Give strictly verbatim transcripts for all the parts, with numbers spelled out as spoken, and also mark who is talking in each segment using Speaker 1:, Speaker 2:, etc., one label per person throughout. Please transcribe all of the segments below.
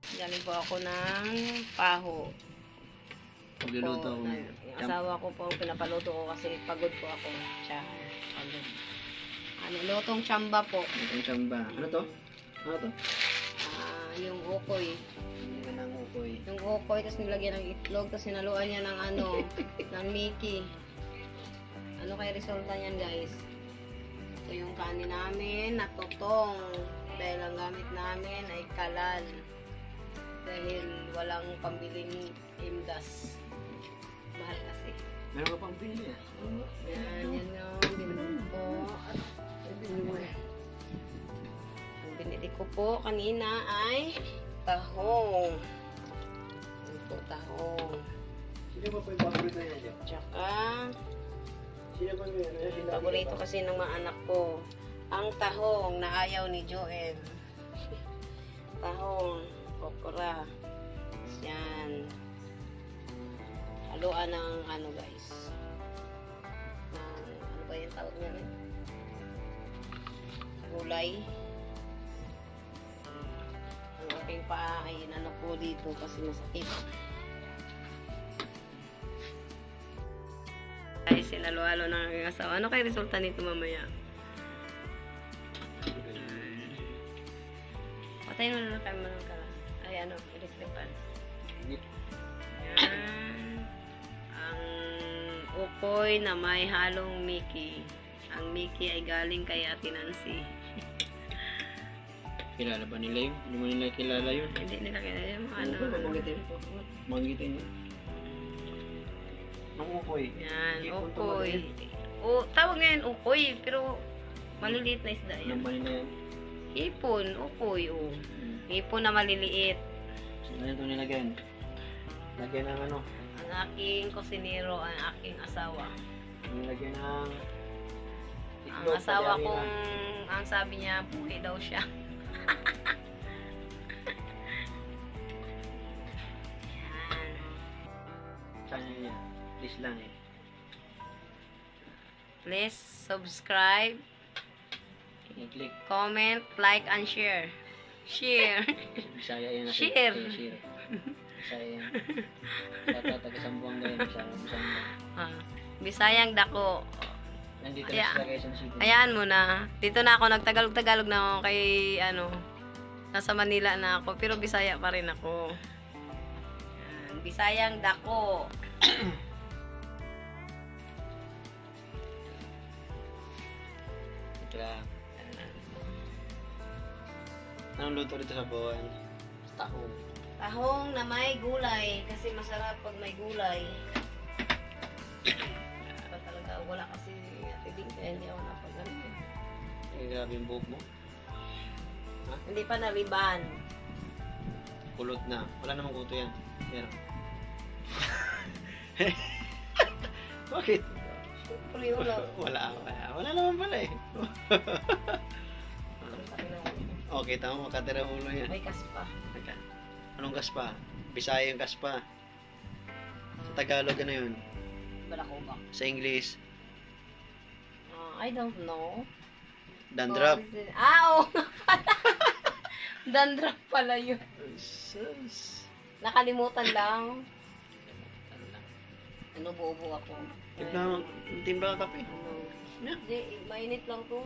Speaker 1: Galing po ako ng paho.
Speaker 2: Pagluluto
Speaker 1: Po,
Speaker 2: ako.
Speaker 1: na- Yung asawa ko po ang pinapaluto ko kasi pagod po ako. Siya, pagod. Ano, lutong tsamba po.
Speaker 2: Itong samba. Ano to? Ano to?
Speaker 1: Ah, yung ukoy.
Speaker 2: Hindi ka nang ukoy.
Speaker 1: Yung ukoy, tapos nilagyan ng itlog, tapos sinaluan niya ng ano, ng Mickey. Ano kaya resulta niyan, guys? Ito yung kanin namin, natutong. Dahil ang gamit namin ay kalan. Dahil walang pambiling imdas. Mahal kasi.
Speaker 2: Meron ka pang pili ah.
Speaker 1: Yan, yan yung binili ko. At ang binili ko po kanina ay tahong. Yan po, tahong.
Speaker 2: Sino ba po yung paborito niya dyan?
Speaker 1: Tsaka,
Speaker 2: Sino ba yung ano?
Speaker 1: paborito kasi ng mga anak ko, ang tahong na ayaw ni Joel. Tahong, okra. Yan. Haluan ng ano guys. Ng, ano ba yung tawag niya? Gulay. Ang aking paa ay inano ko dito kasi masakit. Ay, sinalo-halo ng aking asawa. Ano kaya resulta nito mamaya? Patayin mo na lang kayo mga kala. Ay, ano, electric fan. Yan. Ang ukoy na may halong Mickey. Ang Mickey ay galing kay Ate Nancy.
Speaker 2: Kilala ba nila yun? Hindi mo nila kilala yun?
Speaker 1: Hindi nila kaya yung ano.
Speaker 2: Ano? Manggitin. Manggitin yun. Ang ukoy.
Speaker 1: Yan,
Speaker 2: Ipon to
Speaker 1: ukoy.
Speaker 2: maliit.
Speaker 1: O, tawag ngayon ukoy, pero maliliit na isda yan.
Speaker 2: Anong mali na yan?
Speaker 1: Hipon, ukoy, o.
Speaker 2: Hmm.
Speaker 1: Hipon na maliliit.
Speaker 2: Saan na ito nilagyan? Lagyan ng ano?
Speaker 1: Ang aking kusinero, ang aking asawa.
Speaker 2: Nilagyan ng
Speaker 1: Ang
Speaker 2: itlog,
Speaker 1: asawa
Speaker 2: palyari
Speaker 1: kong,
Speaker 2: na.
Speaker 1: ang sabi niya, buhay daw siya. Yan.
Speaker 2: Channel niya. Please lang eh.
Speaker 1: Please subscribe,
Speaker 2: I-click.
Speaker 1: comment, like, and share. Share.
Speaker 2: Bisaya yan. kasi-
Speaker 1: Share.
Speaker 2: eh, Share. Bisaya yan. Tata, taga-Sambuanga yan. Bisaya. Bisaya.
Speaker 1: Ah, Bisayang dako.
Speaker 2: Nandito
Speaker 1: Kaya-
Speaker 2: na sa Quezon City.
Speaker 1: Ayan mo na. Dito na ako, nagtagalog-tagalog na ako kay, ano, nasa Manila na ako, pero Bisaya pa rin ako. Yan, Bisayang dako.
Speaker 2: Ito lang. Anong luto dito sa buwan? Tahong.
Speaker 1: Tahong na may gulay, kasi masarap pag may gulay. Pero talaga, wala kasi atibing, kaya hindi ako napagano.
Speaker 2: Eh, grabe yung buhok mo.
Speaker 1: Hindi pa naliban.
Speaker 2: Kulot na. Wala namang kuto yan. Meron. Bakit?
Speaker 1: Siyempre, wala.
Speaker 2: Wala, wala. Wala naman pala eh. Okay, tama. Makatira ulo yan.
Speaker 1: May kaspa.
Speaker 2: Teka. Anong kaspa? Bisaya yung kaspa. Sa Tagalog, ano yun?
Speaker 1: Balakubak.
Speaker 2: Sa English,
Speaker 1: Uh, I don't know.
Speaker 2: dandruff.
Speaker 1: Oh, is it- ah, oo nga pala. Dandruff pala yun.
Speaker 2: Sus.
Speaker 1: Nakalimutan lang. Ano, buo-buo ako.
Speaker 2: Timbla, timbla ka kape.
Speaker 1: Ano?
Speaker 2: Yeah.
Speaker 1: Hindi, mainit lang to.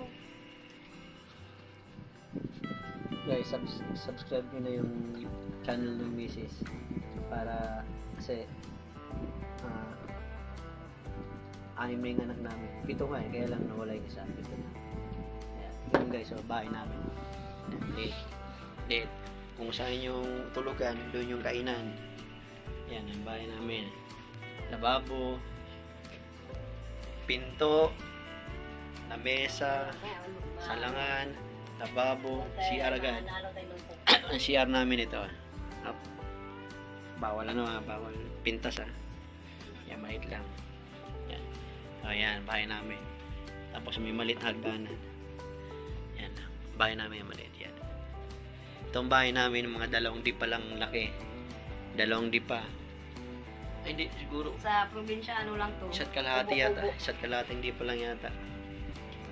Speaker 2: Guys, subs subscribe nyo na yung channel ng Missus para kasi ah anim na yung anak namin. Pito nga eh, kaya lang nawala yung isa. Pito na. Ayan. Yun guys, so bahay namin. Late. Late. Kung saan yung tulugan, doon yung kainan. Yan, ang bahay namin. Lababo, pinto, lamesa, salangan, lababo, C R agad. Ang C R namin ito. Up. Bawal ano ah, bawal pintas ah. Yan, maliit lang. Yan. Ayan, bahay namin. Tapos may maliit na hagdanan. Yan, bahay namin yung maliit yan. Itong bahay namin, mga dalawang di pa lang laki. Dalawang di pa. Ay, hindi, siguro.
Speaker 1: Sa probinsya, ano lang to?
Speaker 2: Isa't kalahati yata.
Speaker 1: Kubo-kubo.
Speaker 2: Isa't kalahati hindi pa lang yata.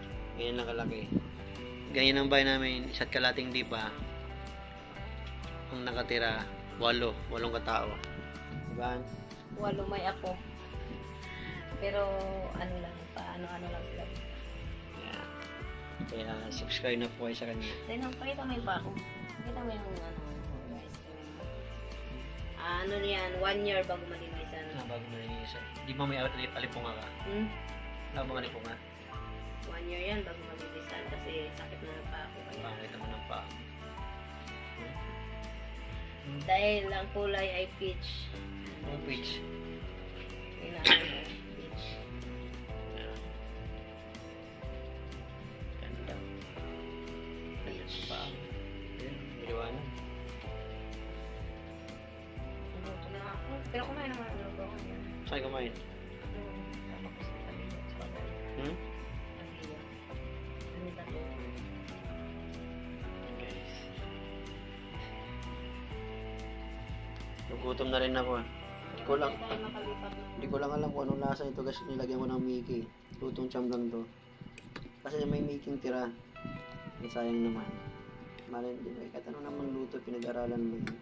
Speaker 2: Ganyan lang kalaki. Ganyan ang bahay namin. Isa't kalating di pa. ang nakatira, walo. Walong katao. Diba?
Speaker 1: Walo may ako. Pero ano lang, paano-ano lang sila.
Speaker 2: Yeah. Kaya subscribe na po kayo sa kanya.
Speaker 1: Then, pakita mo yung bako. Pakita mo yung ano, guys. Ah, ano yan, one year bago malinisan.
Speaker 2: Ah, bago malinisan. Di ba may alip- alipunga ka?
Speaker 1: Hmm?
Speaker 2: Wala bang alipunga?
Speaker 1: One year yan bago malinisan kasi sakit na ng pako. Kaya.
Speaker 2: Bakit naman ang paa? Hmm?
Speaker 1: Dahil ang kulay ay peach.
Speaker 2: Ang peach.
Speaker 1: Yun na, ano, peach.
Speaker 2: Yeah. Ganda. Ganda sa paa. Ayun, iliwanag.
Speaker 1: Naluto na ako. Pero kumain naman ang luto ko yan.
Speaker 2: Saan kumain?
Speaker 1: Hmm, tapos sabi ko sa pagkain.
Speaker 2: Hmm?
Speaker 1: Sabi ko, ano tatlo?
Speaker 2: Guys. Nagutom na rin ako. ah. Hindi ko lang,
Speaker 1: Tayo makalipat ng-
Speaker 2: hindi ko lang alam kung anong lasa ito kasi nilagyan ko ng Mickey. Lutong cham lang to. Kasi may Mickey tira. Ang sayang naman. Malay, di ba? Kahit ano naman luto, pinag-aralan mo yun.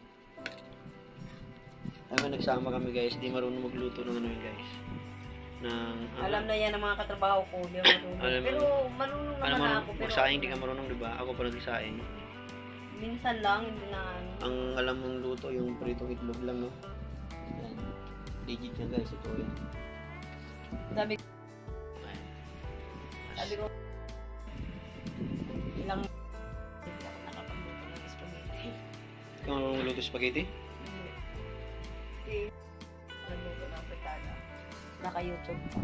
Speaker 2: Ay, may nagsama kami guys. Di marunong magluto ng ano yun guys. Ng,
Speaker 1: Alam na yan ang mga katrabaho ko. Di ako marunong.
Speaker 2: Alam mo-
Speaker 1: Pero marunong
Speaker 2: Ano
Speaker 1: naman
Speaker 2: man,
Speaker 1: ako. Pero
Speaker 2: magsaing di ka marunong, di ba? Ako pa nagsaing.
Speaker 1: minsan lang, hindi na ano.
Speaker 2: Ang alam mong luto, yung pritong itlog lang, no? Yan. Legit yan guys, ito yan.
Speaker 1: Sabi,
Speaker 2: Ayan.
Speaker 1: sabi ko, ilang hindi ako nakapagluto ng spaghetti.
Speaker 2: Ikaw marunong magluto spaghetti?
Speaker 1: Hindi. Hindi. Nagluto ng fritada. Naka-YouTube pa.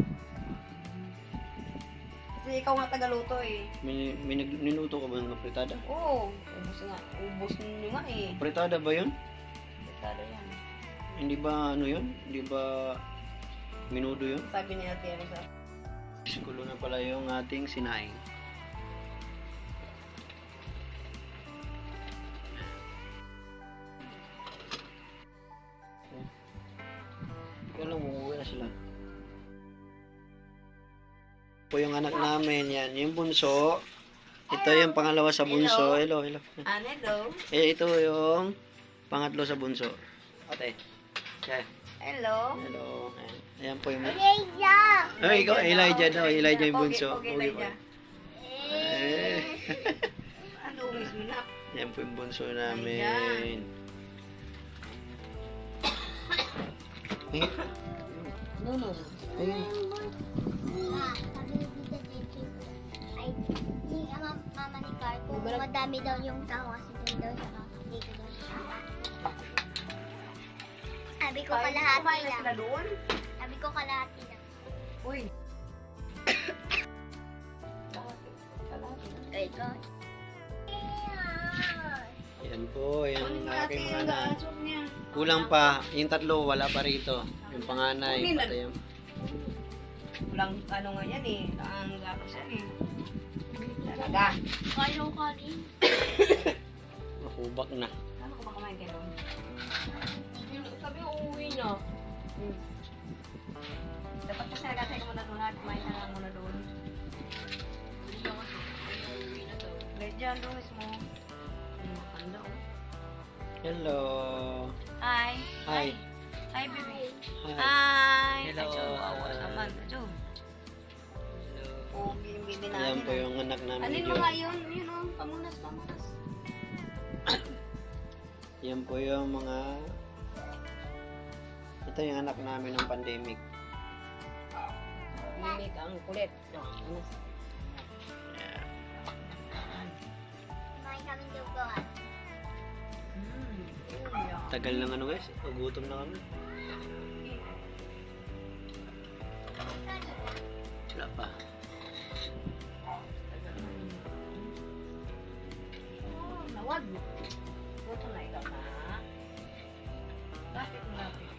Speaker 1: Kasi ikaw nga tagaluto eh.
Speaker 2: May, may nag- niluto ka ba ng fritada?
Speaker 1: Oo, ubos nga. Ubos nyo nga eh.
Speaker 2: Fritada ba yun?
Speaker 1: Fritada yan.
Speaker 2: Hindi ba ano yun? Hindi ba minudo yun?
Speaker 1: Sabi niya Ate Rosa.
Speaker 2: Sikulo na pala yung ating sinaing. Kaya lang, umuwi na sila. Po yung anak namin, yan. Yung bunso. Ito yung pangalawa sa bunso. Hello, hello.
Speaker 1: Ah, hello.
Speaker 2: Eh, ito yung pangatlo sa bunso. Ate. Yan.
Speaker 1: Hello.
Speaker 2: Hello. Ayan. Ayan po yung...
Speaker 3: Elijah!
Speaker 2: Ay, ikaw, Elijah daw. Elijah yung
Speaker 1: Pogi,
Speaker 2: bunso.
Speaker 1: pogi,
Speaker 2: Pogi
Speaker 1: Elijah.
Speaker 2: po. Eh.
Speaker 1: Ano, umis mo na?
Speaker 2: Yan po yung bunso namin. Ay,
Speaker 1: No, no.
Speaker 2: ayun.
Speaker 3: Ah, sabi ni Tita Jackie, ay, yung ama, mama ni Carco,
Speaker 1: Di ba nag-
Speaker 3: madami daw yung tao kasi doon daw siya dito daw siya. Sabi ko kalahati
Speaker 1: Kumain na
Speaker 3: lang.
Speaker 1: sila doon?
Speaker 3: Sabi ko kalahati lang.
Speaker 1: Uy.
Speaker 3: Ay, ko.
Speaker 2: Yan po, yung aking mga anak.
Speaker 1: Asok niya.
Speaker 2: Kulang pa. Yung tatlo, wala pa rito. Yung panganay,
Speaker 1: Kunin na.
Speaker 2: patay yung...
Speaker 1: Walang ano nga yan eh. Ang gatos yan eh. Talaga.
Speaker 3: Kaya ko kanin.
Speaker 2: Mahubak na.
Speaker 1: Ano ko ba kumain kayo doon? Sabi ko uuwi na. Hmm. Dapat kasi nagatay ka muna doon at kumain ka lang muna doon. Let dyan doon mismo. Hmm, makanda oh.
Speaker 2: Hello.
Speaker 1: Hi.
Speaker 2: Hi.
Speaker 1: Hi, baby.
Speaker 2: Hi.
Speaker 1: Hi.
Speaker 2: Hello.
Speaker 1: Acho, awa naman. Acho. Pogi yung baby namin.
Speaker 2: Yan po yung anak namin.
Speaker 1: Alin
Speaker 2: ni
Speaker 1: mo
Speaker 2: John.
Speaker 1: nga yun? Yun oh. Pamunas, pamunas.
Speaker 2: Yan po yung mga... Ito yung anak namin ng pandemic.
Speaker 1: Mimik ang kulit. Pamunas.
Speaker 2: Yeah.
Speaker 3: Kumain kami dugoan.
Speaker 1: Hmm. Uy,
Speaker 2: Tagal lang ano guys. Pagutom na kami. Wala pa.
Speaker 1: Oh, nawag mo. Buto na ikaw na. Bakit mo natin?